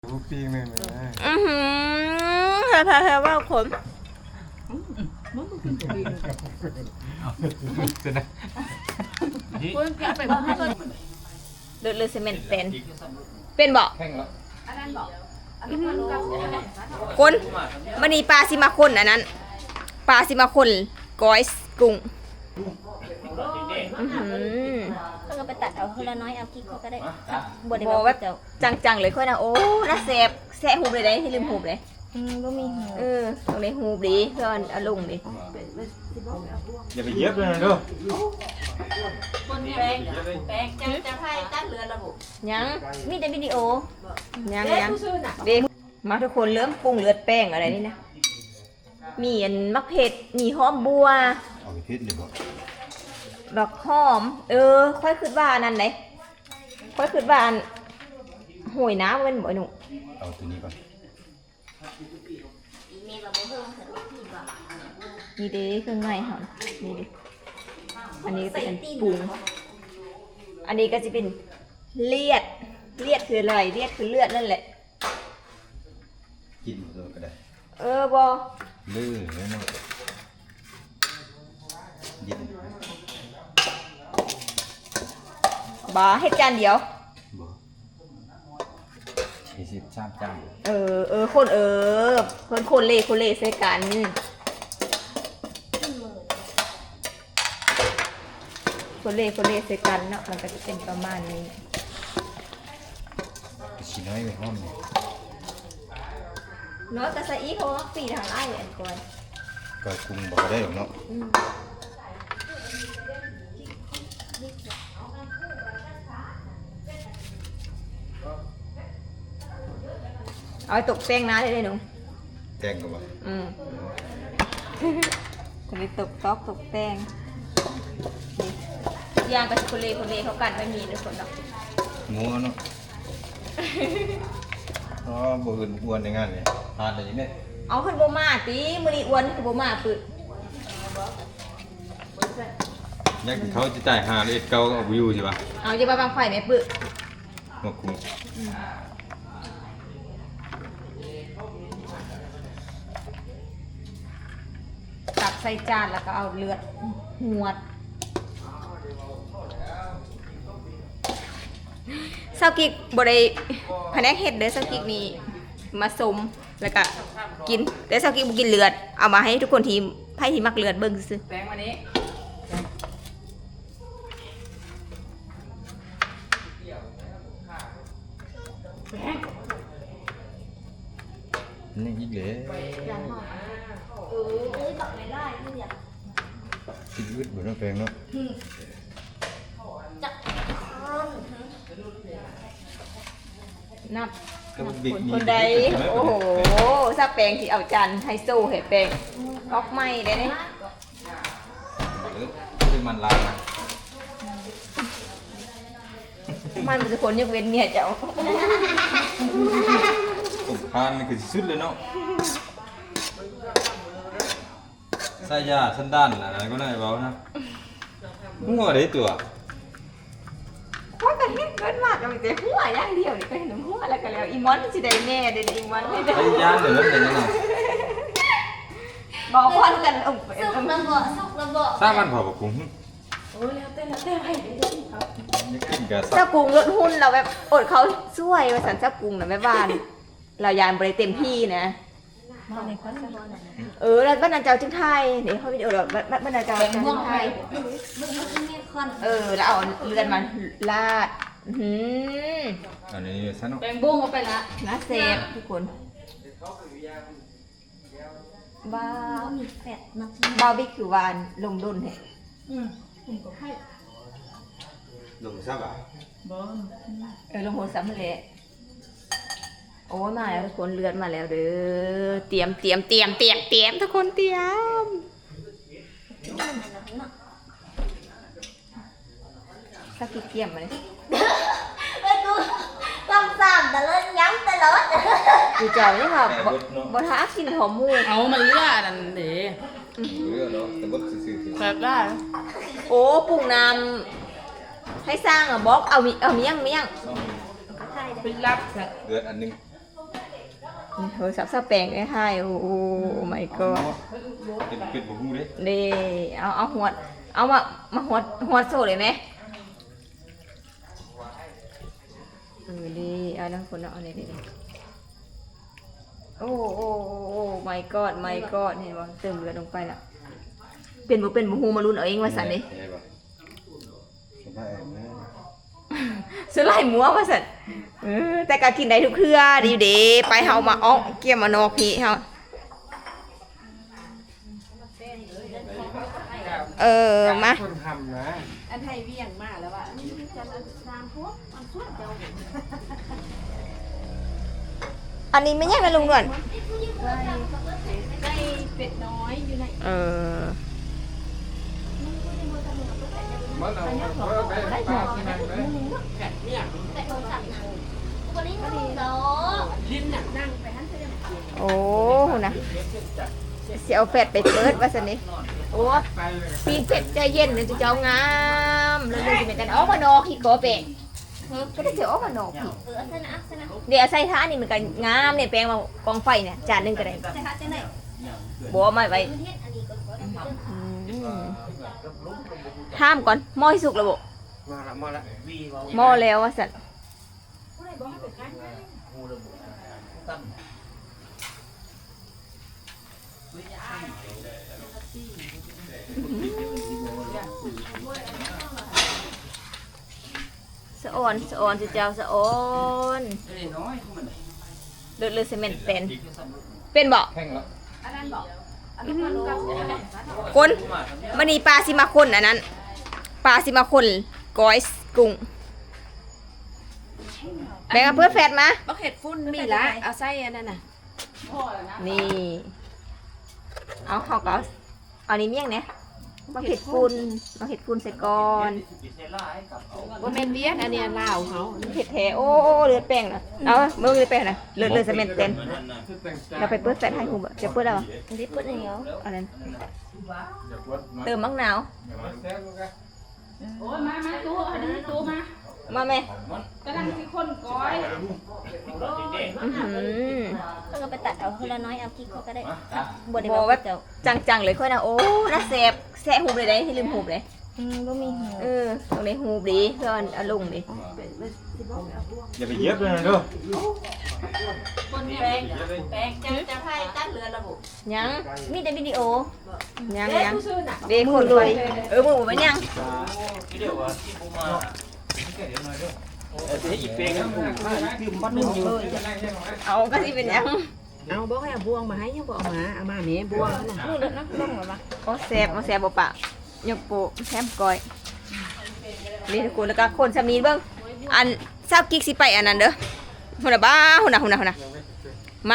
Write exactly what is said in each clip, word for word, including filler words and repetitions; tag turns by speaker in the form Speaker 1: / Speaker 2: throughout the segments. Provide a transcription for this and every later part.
Speaker 1: ลูกปีงเลยนะ
Speaker 2: อือหือแท้แท้ว่าขม
Speaker 1: จะนะ
Speaker 2: เลือดเลือดซีเมนต์เป็น เป็นบ่
Speaker 1: แข่งแล้ว
Speaker 2: คนมันนี่ปลาซิมาคนอันนั้น ปลาซิมาคนก้อยกุ้งอือหือ
Speaker 3: เขาก็ไปตัดเอาคนละน้อยเอากิ๊กเขาก็ได้บดได้
Speaker 2: บอก
Speaker 3: แบ
Speaker 2: ว่า
Speaker 3: บเจ้า
Speaker 2: จังๆเลยค่อยนะโอ้น่าแสบแสะหูบเลยได้ที่ลืมหูบเลย
Speaker 3: อืมก็มีหู
Speaker 2: เออตรงนี้หูบดีเพื่อนอารมณ์ดี
Speaker 1: อย่าไปเย็บเลยนะดู
Speaker 2: ยัง
Speaker 3: มีแต่วิดีโอ
Speaker 2: ยังยังเด็กมาทุกคนเริ่มปรุงเลือดแป้งอะไรนี่นะ มีอันมะเผ็ดมีหอมบัว
Speaker 1: เอาไปพิษเลยบ่
Speaker 2: ดอกหอม เออ ค่อยคิดว่าอันนั้นไหนค่อยคิดว่าอันโหยน้ำเป็นบ่หนุ่ม
Speaker 1: เอาตัวนี้ก่อน
Speaker 2: นี่เด้เครื่องในเหรอนี่ดิอันนี้ก็เป็นปรุง อันนี้ก็จะเป็นเลียด เลียดคืออะไร เลียดคือเลือดนั่นแหละ
Speaker 1: กินเลยก็ได้
Speaker 2: เออบอ
Speaker 1: ลื่นเลยเนาะเย็น
Speaker 2: บาให้จานเดียว
Speaker 1: บ่สี่สิบสามจาน
Speaker 2: เออ เออ คนเออ คนคนเล่คนเล่ใส่กัน คนเล่คนเล่ใส่กันเนาะ มันก็จะเป็นประมาณนี้
Speaker 1: ชิ้นน้อยไปห้อมเนี่ย
Speaker 2: เนาะแต่ใส่อีเขาปีทางไล่อันก่อน
Speaker 1: ก็คุมบอกได้หรอกเนาะ
Speaker 2: เอาไปตกแป้งนะได้เลยหนู
Speaker 1: แกงก็บ่
Speaker 2: อืม จะไปตกซอกตกแป้งนี่ย่างกับคนเล่คนเล่เขากันไม่มีในคนหรอก
Speaker 1: งัวเนาะอ๋อบ่อื่นอ้วนในงานเลยทานได้ยังไง
Speaker 2: เอาขึ้นโบมาตีมือนีอ้วนขึ้นโบมาปึด
Speaker 1: ยักษ์เขาจะจ่ายหาเลยเก่าก็เอาวิวใช่ป่ะ
Speaker 2: เอาจะไปบางไฟไหมปึด
Speaker 1: มาคุม
Speaker 2: ตักใส่จานแล้วก็เอาเลือดหวดเซากิกบได้แผนกเห็ดเด้อเซากิกนี่มาสมแล้วก็กินแต่เซากิกบ่กินเลือดเอามาให้ทุกคนที่ไพ่ที่มักเลือดเบิ่งซื่อ
Speaker 4: แป้งวันนี้
Speaker 1: นี่อีกเลย
Speaker 3: เออเอ้ยบอกไม่ได้ไม่อยาก
Speaker 1: กินอึดบ่ต้องแปลงเนาะ
Speaker 3: จับ
Speaker 2: นับ
Speaker 1: ก็บิ๊ก
Speaker 2: คนใดโอ้โหซาแปลงที่เอาจานไฮโซให้แปลงออกใหม่ได้เด้
Speaker 1: เออคือมันลางนะ
Speaker 2: มันเป็นคนยกเว้นเมียเจ้า
Speaker 1: ผมพานนี่คือสุดเลยเนาะใส่ยาสันดานอะไรก็ได้เบานะหัวได้ตัว
Speaker 2: เพราะกันเฮ็ดเกินมากก็มีแต่หัวอย่างเดียวนี่ก็เห็นหัวแล้วก็แล้วอีมอนสิได้แม่เด้ออีมอนได้
Speaker 1: ใส่ยาเหลือเลยนะ
Speaker 2: บอกพอนกันเอ้า
Speaker 3: สุกระเบาะสุกระเบาะ
Speaker 1: สร้างมันเผากับกุ้ง
Speaker 4: โอ้ยแล้วเต้นแล้วเต้นให้
Speaker 1: นี่กินกับ
Speaker 2: เจ้ากุ้งลดหุ้นเราแบบอดเขาช่วยว่าสันเจ้ากุ้งน่ะแม่บ้าน เรายานบ่ได้เต็มที่นะ
Speaker 3: มาในคอนเสิร์ตน่ะ
Speaker 2: เออแล้วบ้านนางเจ้าจึงไทยเดี๋ยวเขาวิดีโอแบบบ้านนางเจ้าจึงไทย
Speaker 3: มึงมึงมีคอน
Speaker 2: เออแล้วเอาเลือดมันลาดอื้อหือ
Speaker 1: อันนี้ซะเนาะ
Speaker 4: แป้งบุ้งเอาไปละ
Speaker 2: น่าเซฟทุกคนบ้า
Speaker 3: ก็มีแฟดมาที
Speaker 2: บาร์บีคิววานลงดุนเหรอ
Speaker 4: อืมผมก็ให้
Speaker 1: ลงซะบ่ะ
Speaker 4: บอล
Speaker 2: เออลงหัวซ้ำเลยโอ้ยมาแล้วทุกคนเลือดมาแล้วเด้อเตรียมเตรียมเตรียมเตรียมเตรียมทุกคนเตรียมสักกี่เตรียมมาเลย
Speaker 3: เอ้ยกูต้องสั่งแต่เล่นย้ำแต่ละวัน
Speaker 2: กูเจ้านี่ค่ะบ่บ่ท้ากินหอมหมู
Speaker 4: เอามันเลือดนั่นเด้
Speaker 1: เรือเนาะแต่บ่ซื่อๆ
Speaker 4: แบบได้
Speaker 2: โอ้ปรุงน้ำให้สร้างอ่ะบอกเอามีเอาเมียงเมียง
Speaker 4: เป็นรับ
Speaker 1: เดือนอันนึง
Speaker 2: โทรศัพท์ซะแปลงได้ให้โอ้โอ้ my god
Speaker 1: เป็นเป็นบ่ฮู้เด้
Speaker 2: นี่เอาเอาหัวเอามามาหัวหัวโซ่เลยไหมเออดีเอาน้ำฝนเอาเลยดิโอ้โอ้โอ้โอ้ my god my god เห็นบ่เติมเลือดลงไปแล้วเป็นบ่เป็นบ่ฮู้มาลุ้นเอาเองว่าซั่นนี่สไลด์หมัวว่าซั่นเออแต่ก็กินได้ทุกเครือดีเด้ไปเฮามาอ้อเกี่ยมมานอกพี่เฮาเออมา
Speaker 5: คนทำนะ
Speaker 4: อันไทยเวียงมาแล้วอ่ะนี่จะตามพวกมันช่วยเจ้า
Speaker 2: อันนี้ไม่ยากนะลุงนวล
Speaker 4: ได้เป็ดน้อยอยู่ใน
Speaker 2: เออ
Speaker 5: มันเอาเอาไปให้ปลากินนั่งเลย
Speaker 3: แต่โทรศัพท์นะวันนี้มันเนาะ
Speaker 4: ลิ้นหนักนั่งไปหันไปเลย
Speaker 2: โอ้นะเสียเอาแฟดไปเปิดว่าสนิโอ้ปีนเป็ดใจเย็นเลยจะเจ้างามเลยเลยจะเป็นกันออกมานอกขี้โกเปะก็ได้เสียออกมานอกพี่
Speaker 3: เออเส้นนะเส้นนะ
Speaker 2: เดี๋ยวใส่ท่านี่มันกันงามเนี่ยแปลงมากองไฟเนี่ยจานหนึงก็ได้
Speaker 3: เส้นค่ะเส้นไหน
Speaker 2: บัวมาไว้
Speaker 3: เฮ็ดอันนี้ก็ขอได้
Speaker 2: อืมห้ามก่อนหม้อให้สุกแล้วบ่
Speaker 5: มาละมาละ
Speaker 2: หม้อแล้วว่าสัตว์สะออนสะออนจะเจ้าสะออนเลือดเลือดเซเมนต์เป็นเป็นบ่
Speaker 5: แข่งแล้ว
Speaker 4: อันนั้นบอกอันนั้นกับ
Speaker 2: คนมันนี่ปลาซิมาคนอันนั้นปลาซิมาคนก้อยกุ้งแบ่งกับเพื่อนแฟดมา
Speaker 4: บักเห็ดฟุ้นมีละเอาไส้อันนั้นน่ะพ่อแล้วนะ
Speaker 2: นี่เอาเขาก็เอานี่เมี่ยงเนี่ยมาเห็ดฝุ่นมาเห็ดฝุ่นใส่ก่อน
Speaker 4: ว่าแม่นเวียนอันเนี้ยลาวเขา
Speaker 2: เห็ดแถโอ้โอ้เลือดแป้งนะเอาเมื่อเลือดแป้งนะเลือดเลือดเซเมนต์เต็มเราไปเปิดแฟดให้คุณจะเปิดแล้ว
Speaker 3: นี่ปุ๊ดเหนียว
Speaker 2: อันนั้นเติมมะนาว
Speaker 4: โอ้ยมามาตู้อันนี้ตู้มา
Speaker 2: มาแม่
Speaker 4: กำลังสิคนก้อย
Speaker 2: อื้อหือ
Speaker 3: เขาก็ไปตัดเอาคนละน้อยเอากิ๊กเขาก็ได้บดได้
Speaker 2: บอ
Speaker 3: บ่
Speaker 2: กว่าจังๆเลยค่อยนะโอ้น่าแสบแสะหูเลยได้ที่ลืมหูเลย
Speaker 3: อืมบ่มีหู
Speaker 2: เออตรงนี้หูดีเพื่อนเอาลงดิ
Speaker 1: อย่าไปเย็บเลยนะเด้อ
Speaker 4: คนแปลงแปลงจะจะให้ตั้งเรือระบุ
Speaker 2: ยัง
Speaker 3: มีแต่วิดีโอ
Speaker 2: ยัง
Speaker 4: เด็ก
Speaker 2: ยัง
Speaker 4: ผู้ซื้อน่ะ
Speaker 2: เด็กคนรวยเออมือผมไปยัง
Speaker 5: อีกเพลงนึงคือมันอยู่
Speaker 2: เอาก็สิเป็นยัง
Speaker 4: เอาบอกให้เอาบวงมาให้ยังบอกเอามาเอามาแม่บวงน่ะ
Speaker 3: นู่นเด้อนะลงมาบ่
Speaker 2: โอ้แสบโอ้แสบบ่ปะยกโปะแถมก้อยนี่ทุกคนแล้วก็คนสามีเบิ่งอันทราบกิ๊กสิไปอันนั้นเด้อหุ่นน่ะบ้าหุ่นน่ะหุ่นน่ะหุ่นน่ะมา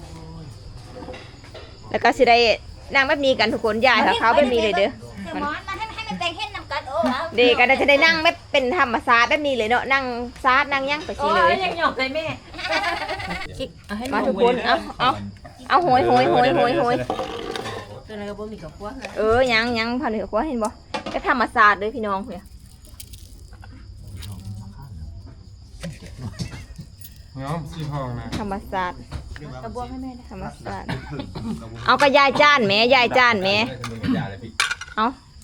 Speaker 2: แล้วก็สิได้นั่งแบบนี้กันทุกคนยายค่ะเขาแบบนี้เลยเด้อ
Speaker 3: เดี๋ยวหมอนมาให้ให้มันแต่งเฮ็ดนำกันโอ้เอา
Speaker 2: เด็กก็จะได้นั่งแบบเป็นธรรมศาสตร์แบบนี้เลยเนาะนั่งซาดนั่งยั่งไปสิเลย
Speaker 4: ยังหยอกเลยแม่เอาให้
Speaker 2: มาทุกคนเอาเอาเอาโหยโหยโหยโหยโหย
Speaker 4: ตัวนั้นก็บ่มีกับพวกนะ
Speaker 2: เออยังยังพันเหนือกว่าเห็นบ่ก็ธรรมศาสตร์เลยพี่น้องเพื่อ
Speaker 5: น้องสีทองนะ
Speaker 2: ธรรมศาสตร์
Speaker 3: กระบวงให้แม่ได้
Speaker 2: ธรรมศาสตร์เอากระยายจานแหม่ยายจานแหม่เอา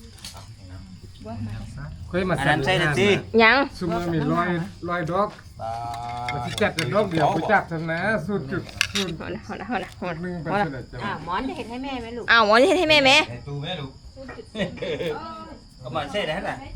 Speaker 5: เคยมาสั่นใช่หรือจี
Speaker 2: ยัง
Speaker 5: ซุมมีร้อยร้อยดอกมาที่จัดดอกเดียวไปจับชนะสุดจุดสุด
Speaker 2: เอาละเอาละเอาละเอาละ
Speaker 5: หนึ่งเป็นเสด็จจะ
Speaker 4: อ่าหมอนจะเห็นให้แม่ไหมลูก
Speaker 2: เอาหมอนี่ให้แม่แม่
Speaker 1: ตูแม่ลูก
Speaker 6: ก็มาใช่ได้แหละ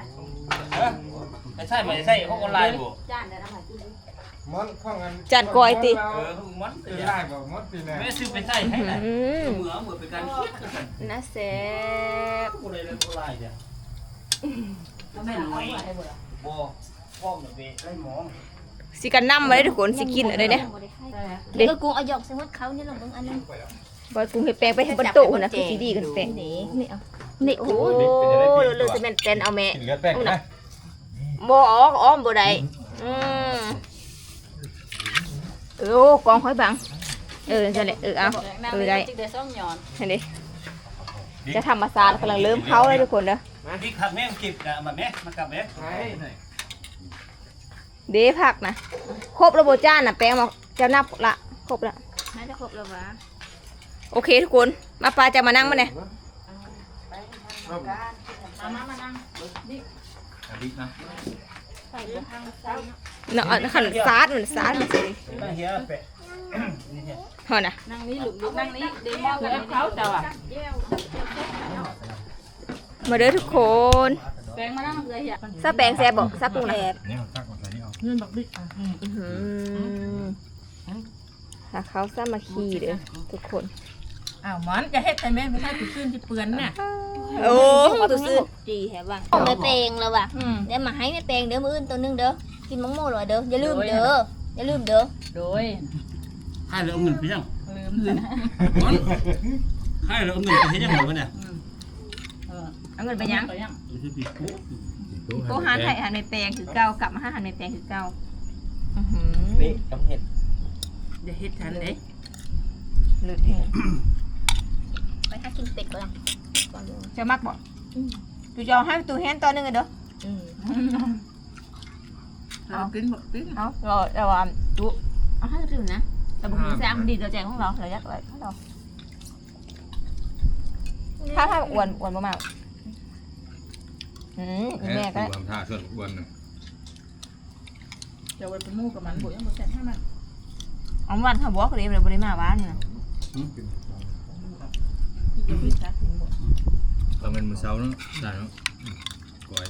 Speaker 6: ไม่ใช่ไม่ใช่เขาออนไลน์บ่
Speaker 4: จานเดี๋ยวเอามา
Speaker 5: มอนข้องกัน
Speaker 2: จัดกอยติ
Speaker 6: เออมัน
Speaker 5: เป็นไล่แบบมดปีแน่
Speaker 6: ไม่ซื้อไปใช่ให้แหละ
Speaker 2: อืม
Speaker 6: เหมือเหมือเป็นการคิดกัน
Speaker 2: น่าแสบ
Speaker 6: กูเลยเลยออนไลน์เนี่ยแม่หน่อยบ่พ่อเหมือนเวได้มอง
Speaker 2: สิกันนำมาได้ทุกคนสิกินอะไรเนี่ย
Speaker 3: เด็กก็กูเอาหยอกใส่หัวเขานี่ลองเบิ่งอันนึง
Speaker 2: บอยกุ้งเห็ดแปลงไปให้บนโต๊ะนะคือสีดีกันแปลง
Speaker 3: นี่นี่เอานี่
Speaker 2: โอ้เลือดเซเมนต์เต็นเอาแม่
Speaker 1: กินเลือดแป้งนะ
Speaker 2: บ่ออกอ้อมบ่ได้อืมเออโอ้กองหอยบังเออนั่นแหละเออเอาเออได้
Speaker 4: จิกเดือดซ่องหยอน
Speaker 2: เห็นดิจะทำมาซาลกำลังเริ่มเขาเลยทุกคนเด้อ
Speaker 6: นี่ขับแม่กิบกะมาแม่มากลับแม่
Speaker 2: เด้ผักนะครบระบบจานน่ะแปลงมาเจ้านับละครบละ
Speaker 4: น่าจะครบแล้ววะ
Speaker 2: โอเคทุกคนมาปลาจะมานั่งมาเนี่ย
Speaker 4: มามามานั่ง
Speaker 1: อดินะ
Speaker 4: ใส่ทางซ้าย
Speaker 2: เนาะขันซาดเหมือนซาดมันสิเฮานะ
Speaker 4: นั่งนี่ลูกลูกนั่งนี่เดมอกันเขาเจ้าอ่ะ
Speaker 2: มาเด้อทุกคน
Speaker 4: แปลงมานั่งเลยอ่ะ
Speaker 2: ซาแปงแซ่บบ่ซากุ้งนะ
Speaker 1: เนี่ยตักมาใส่นี่เอา
Speaker 4: เงินบักบิ๊ก
Speaker 2: อื้อหือถ้าเขาสามัคคีเด้อทุกคน
Speaker 4: อ้าวมันจะเฮ็ดแต่แม่ไม่ใช่ติดตื้นที่เปื้อนน่ะ
Speaker 2: โอ้ตัวซื้อ
Speaker 3: จีแฮะบ้างเอาไปแปลงแล้วว่ะเดี๋ยวมาให้ไม่แปลงเด้อมื้ออื่นตัวนึงเด้อกินมังโม่หน่อยเด้ออย่าลืมเด้ออย่าลืมเด้อ
Speaker 4: โดย
Speaker 6: ให้เราเอาเงินไปยัง
Speaker 4: ลืมเลยนะ
Speaker 6: ให้เราเอาเงินไปให้ยังไงวะเนี่ย
Speaker 2: เอาเงินไปยัง
Speaker 4: ไปยัง
Speaker 6: ไม่ใช่ปีกู
Speaker 2: โกหานไทยหันในแปลงคือเก่ากลับมาหาหันในแปลงคือเก่าอื้อหือ
Speaker 6: นี่กำเห็ด
Speaker 4: เดี๋ยวเฮ็ดทันเด้
Speaker 2: เลือดแห้ง
Speaker 3: ไปหากินเป็ดก่อน
Speaker 2: จะมักบ่ตูจะเอาให้ตูแฮนตอนนึงเลยเด้อ
Speaker 4: เอากินบักบิ๊ก
Speaker 2: เอาเราเราอ่ะดูเอาให้ดูนะแต่บุคคลแซมดีเราแจงของเราเรายักไว้ให้เราถ้าถ้าอ้วนอ้วนมากๆอืมอีแม่ก็
Speaker 1: ทำท่าส่วนอ้วนนึง
Speaker 4: เดี๋ยวไปมู่กับมันบุ๋ยยังบ่เสร็จให้มัน
Speaker 2: เอาวันเขาบอกเลยเราบริมาบ้านเนี่ย
Speaker 4: พี่จะพี่ซักถึงบ่
Speaker 1: เราเป็นมือเช้าเนาะได้เนาะก้อย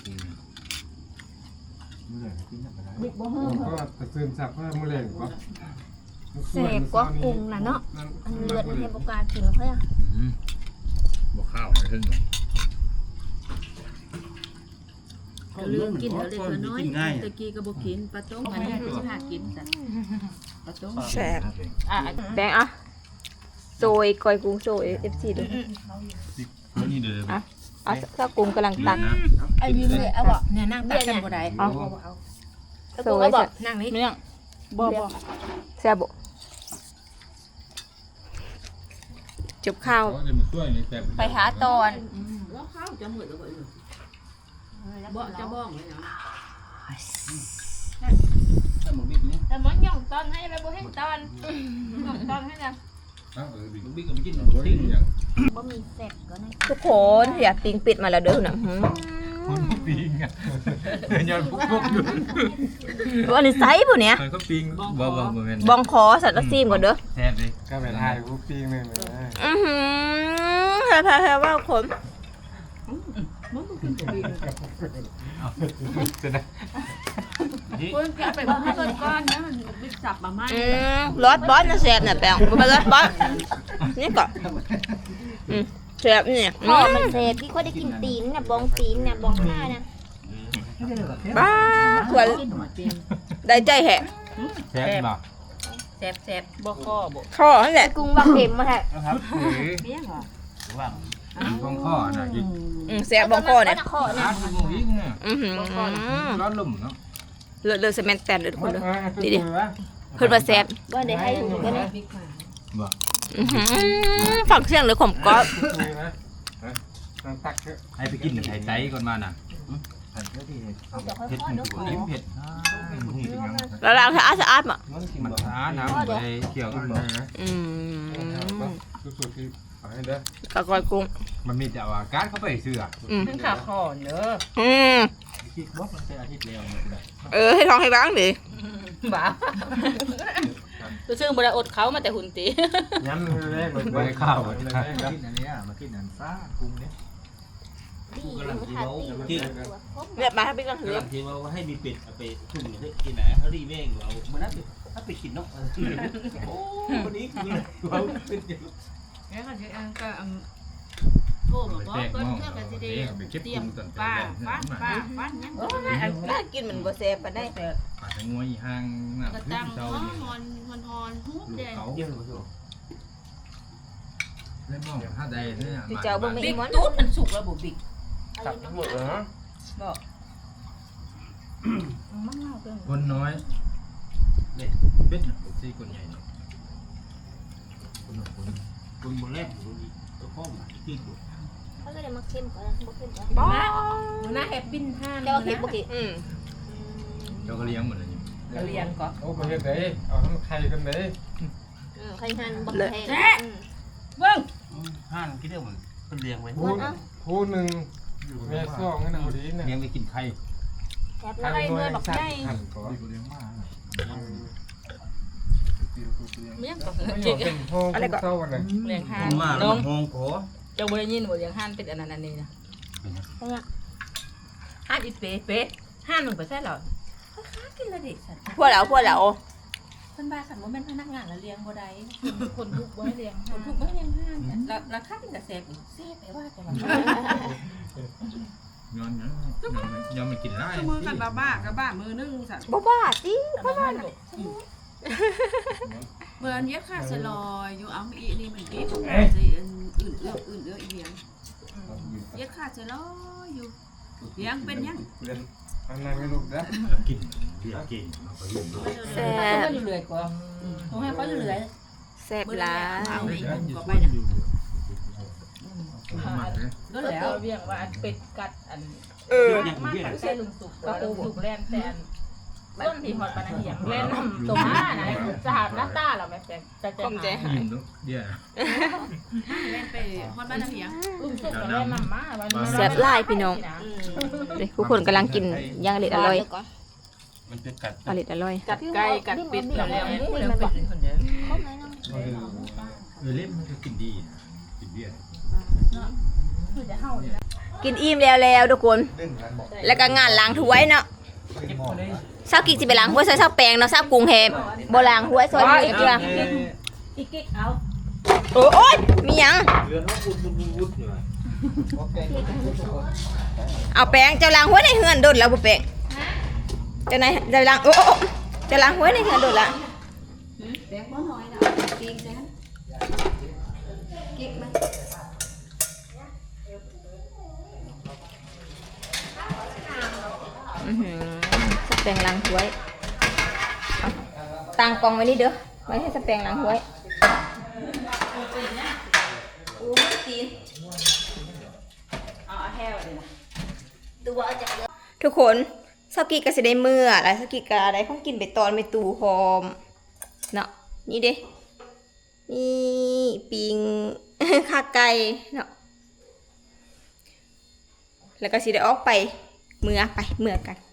Speaker 4: บิ๊กบ่ฮู้
Speaker 5: ก็กระเซินสับเพื่อมะเร็งก็
Speaker 3: เสพก็กุ้งล่ะเนาะอันเลือดมันให้บ่กล้ากินเพิ่นอ่ะ
Speaker 1: บวข้าวอะไรขึ้น
Speaker 4: ลืมกินแล้วเล็กน้อยตะกี้ก็บ่กินปลาต้มอันนี้คือสิหากินซะปลาต้ม
Speaker 2: แซ่บ
Speaker 4: อ่ะ
Speaker 2: แบงอ่ะโซยกอยกุ้งโซยเอฟซีดู
Speaker 1: นี่เดี๋ยว
Speaker 2: อ่ะเอาถ้ากุ้งกำลังตัก
Speaker 3: ไอ้ยืมเลยเอาบ่
Speaker 4: เนี่ยนั่งตักกันบ่ได้
Speaker 2: เอา
Speaker 3: เอา
Speaker 2: โซ
Speaker 3: กุ้ง
Speaker 2: ย
Speaker 3: เอาบ่
Speaker 4: นั่งนี่เนื่องบ่บ่
Speaker 2: แซ่บบ่จบข้าว
Speaker 1: เขาจะมาช่วยในแต่
Speaker 2: ไปหาตอน
Speaker 4: แล้วข้าวจะหมดแล้วบ่บ่จะบ้องเลยเนาะ
Speaker 6: ถ้ามึงบิ๊กเนี่ย
Speaker 4: แต่มันย่องตอนให้ไปบ่เห็นตอนย่องตอนให้นะ
Speaker 6: มึงบิ๊กก็ไม่กินหรอก
Speaker 1: ทิ้งอย่าง
Speaker 3: บ่มีเสร็จก็ได้
Speaker 2: ทุกคนอยากปิงปิดมาแล้วเด้อนะหืม
Speaker 1: ปิงอ่ะเดินยันพวกอยู่
Speaker 2: อันนี้ไซส์ปุ่นเนี่ย
Speaker 1: มันก็ปิงบ่บ่บ่แม่น
Speaker 2: บองคอสัตว์ละซีมก่อนเด้อ
Speaker 1: แท้เลย
Speaker 5: ก็เป็นไอ้ผู้ปีนึงเลย
Speaker 2: อือหือแพ้แพ้ว่าขม
Speaker 4: มันบ่กินตัวเอง
Speaker 1: จะได้
Speaker 4: คนแกไปบ่ให้เพิ่นก่อนนะมันบิ๊กสับมาใหม่
Speaker 2: อืมรสบอสนะแซ่บเนี่ยแปลงบ่เป็นรสบอสนี่ก่อนอืมแซ่บนี่
Speaker 3: พ่อมันเสพที่เขาได้กินตีนน่ะบองตีนน่ะบองหน้าน่ะ
Speaker 2: บ้าขวดได้ใจแหะ
Speaker 1: แท้บ่
Speaker 4: แซ่บๆบ่ข้อบ่
Speaker 2: คอนั่นแหละ
Speaker 3: กุ้งว่าเค็มมาแท้
Speaker 1: นะครับหรือ
Speaker 4: เลี้ยงเหรอ
Speaker 6: ว่าง
Speaker 1: ตรงข้อน่ะอีก
Speaker 2: อืมแซ่บบองคอเนี่ย
Speaker 3: ข้อ
Speaker 1: ร้า
Speaker 3: น่ะ
Speaker 1: นมึงอีกเนี่ย
Speaker 2: อือหือ
Speaker 1: ร้อนลุ่มเนาะ
Speaker 2: เลือดเลือดเซเมนต์แตนเลยทุกคนเลย
Speaker 5: ดีดิ
Speaker 2: เพิ่นว่าแซ่บ
Speaker 3: บ่ได้ให้ถุงก็ได้
Speaker 1: บ่
Speaker 2: อือหือฟังเสียงเลยขมก๊อบ
Speaker 5: ตักเยอะ
Speaker 1: ให้ไปกินไข่ไตก่อนมาน่ะเผ็ดมันถูกอิ่มเผ็ด
Speaker 2: แล้วล้างสะอาดสะอาดมั้ง
Speaker 1: มันช้าน้ำไปเกี่ยวกันบ่
Speaker 2: อืม
Speaker 5: สุดๆที่ขอให้เด้อก
Speaker 2: ะกอยกุ้ง
Speaker 1: มันมีแต่ว่าการเข้าไปเสื้อ
Speaker 2: อืม
Speaker 4: ขึ้นขาคอเด้อ
Speaker 2: อืม
Speaker 6: คิดว่ามันเป็นอาทิตย์แล้วเนี่ย
Speaker 2: เออให้ท้องให้บ้างดิ
Speaker 4: บ้าตัวซึ่งบ่ได้อดเขามาแต่หุ่นติ
Speaker 5: ย้ำแรกเลย
Speaker 1: ไว้ข้าว
Speaker 6: มากินอันนี้มากินอันซ่ากุ้งเนี่ย
Speaker 3: ดีมันทานตีน
Speaker 2: เรียบมาให้พี่กันถือก
Speaker 6: ำลังคิดว่าให้มีเป็ดเอาไปทุ่มเนี่ยกินไหนเขารีแม่งเราเมื่อนั้นถ้าไปกินนกโอ้วันนี้คือเราเป็นอย่าง
Speaker 4: แล้วก็สิอันก็โทรมาบอกเพิ่นเพื่อก็สิได้เตรียมป้าป้าป้าป้ายัง
Speaker 2: โอ้ยอันน่ากินเหมือนบัวเซฟปานได้
Speaker 4: แต่
Speaker 1: ปาดงวยห่างน้ำ
Speaker 4: ก็
Speaker 1: พึ่
Speaker 4: ตั้
Speaker 1: ง
Speaker 4: ง
Speaker 1: เจ้า
Speaker 4: ฮอน
Speaker 1: นี่
Speaker 4: ฮอนฮอนฮอนฮุบ
Speaker 1: ลูก
Speaker 4: เด้
Speaker 1: เขา
Speaker 6: เดียวหรือเปล่า
Speaker 1: เล่นมองถ้าใดเนี่ย
Speaker 2: พี่เจ้าบ่มี
Speaker 4: บิ๊ก
Speaker 2: มอน
Speaker 4: ตุ๊ดมันสุกแล้วบ่บิ๊ก
Speaker 5: ตักทั้งหมดเลยฮะ
Speaker 4: มันเล่าเกิน
Speaker 1: คนน้อยเนี่ยเป็ดสี่คนใหญ่เนาะ
Speaker 6: คนคนคนบนแรกคนนี้ตัวข้อมาที่ดู
Speaker 3: เขาก็ได้มาเค็มก่อนบ่เค็มก่อน
Speaker 4: บ้าหน้าแฮปปี้ห้าน
Speaker 3: เจ้าเค็มบ่กิ
Speaker 2: อืม
Speaker 1: เจ้าก็เลี้ยงหมดเลยนี่
Speaker 3: เ
Speaker 4: ก็เรียนก่อน
Speaker 5: โอ้ประเทศไหนเอาทั้งไข่กันไหน
Speaker 3: อืมใครหันบักแพงอืม
Speaker 4: เบิ่ง
Speaker 6: ห้านคิดเรื่องมันเป็นเลี้ยงไว้
Speaker 5: ผู้ผู้หนึ่งแม่ซ่องนั่นเอาดีเนี่ย
Speaker 6: เลี้ยงไปกินไข่
Speaker 3: แซ่บ
Speaker 5: หัน
Speaker 3: เลย
Speaker 5: หน่วยสัตว์หันก่อน
Speaker 4: เลี้ยงก็
Speaker 5: ไม่ย
Speaker 4: เจ๊
Speaker 5: อมเป็นห้องเศร้ากันเลย
Speaker 4: เลี้ยงห่าน
Speaker 6: มา
Speaker 4: น้อง
Speaker 6: ห้องขอ
Speaker 4: เจ้าบ่ได้ยินบ่เลี้ยงห่านเป็นอันนั้นอันนี้นะห่านอีเป๊ะเป๊ะห่านหนึ่งไปใช่หรอ
Speaker 7: กินละดิฉัน
Speaker 2: พวกเราพวกเรา
Speaker 7: เพิ่นบ้าขันว่าเป็นพนักงานแล้วเลี้ยงบ่ได้
Speaker 4: คนทุกบ่เลี้ยง
Speaker 7: คนถูกบ่เลี้ยงห้างแล้วราคาเป็นกระแสอีกแซ่บไปว่าแต่ว่า
Speaker 1: ย้อนย้อนย้อนมันกินได้
Speaker 4: มือกันบ้าบ้ากับบ้ามือนึงสัตว์
Speaker 2: บ่บ้าติ
Speaker 7: เพราะว่าเมื่อเย็บค่าสลอยอยู่เอาอีนี่มันดีของใจอื่นเอื้ออื่นเอื้ออีเลี้ยงเย็บค่าสลอยอยู่เลี้ยงเป็นยัง
Speaker 5: อันนั้นไม่รู้นะ
Speaker 6: กินเลี้ยงกินมาก็ยุ่งด้วย
Speaker 2: แซ่บ
Speaker 7: ก็เหลือยกว่าของให้เขาเหลือย
Speaker 2: แซ่บหลาย
Speaker 7: เอาอีกก็ไปน่ะก็แล้ว
Speaker 4: เราเรียกว่าอันเป็ดกัดอัน
Speaker 2: เออ
Speaker 4: มันไม่ใช่ลุงสุกก็ปูสุกแล่นแต่อันต้นที่หอดปานเหียงแล่นนำตรงหน้าไหนสหน้าตาเราไม่เป็นจะจะหา
Speaker 1: ยิ้มลูกเดี๋ยว
Speaker 7: เล่นไปฮอดบ้านน้ำเพียง
Speaker 4: ลุงสุกก็แล่นนำมาวันนี้
Speaker 2: แซ่บหลายพี่น้องเด้ทุกคนกำลังกินอย่างอร่อยอร่อย
Speaker 6: มันเป็นกัด
Speaker 2: อร่อยอร่อย
Speaker 4: กัดไก่กัดเป็ดแล้วแล้วแล้วเป็ดคนเดียว
Speaker 3: ครบไหมน้อง
Speaker 1: เออเล่มมันก็กินดีนะกินเบี้ย
Speaker 4: คือจะเฮานี่
Speaker 2: กินอิ่มแล้วแล้วทุกคน แล้วก็งานล้างถ้วยเนาะเช้ากินสิไปล้างถ้วยใส่เช้าแปรงเนาะเช้ากรุงเทพบ่ล้างถ้วยซอยนี้เด้อ
Speaker 4: อีกกิ๊กเอา
Speaker 2: โอ้ยมีหยัง
Speaker 1: เรือนว่าวุ้นวุ้นวุ้นอยู่
Speaker 2: เอาแปรงเจ้าล้างถ้วยในเฮือนโดดแล้วบ่แปรงเจ้าไหนเจ้าล้างโอ้โอ้เจ้าล้างถ้วยในเฮือนโดดละ
Speaker 7: แบงค์บ่น้อยน่ะกินแซ่บเก็บมา
Speaker 2: อื้อหือสแปรงล้างถ้วยเอาตั้งกล่องไว้นี่เด้อไว้ให้สแปรงล้างถ้วยโอ้ยตีน
Speaker 3: ตัวเอาจากเดือ
Speaker 2: ทุกคนสกิก็สิได้เมื่อแล้วสกิก็ได้ของกินไปตอนไปตู้หอมเนาะนี่เด้นี่ปิง ขาไก่เนาะแล้วก็สิได้ออกไปเมื่อไปเมื่อกัน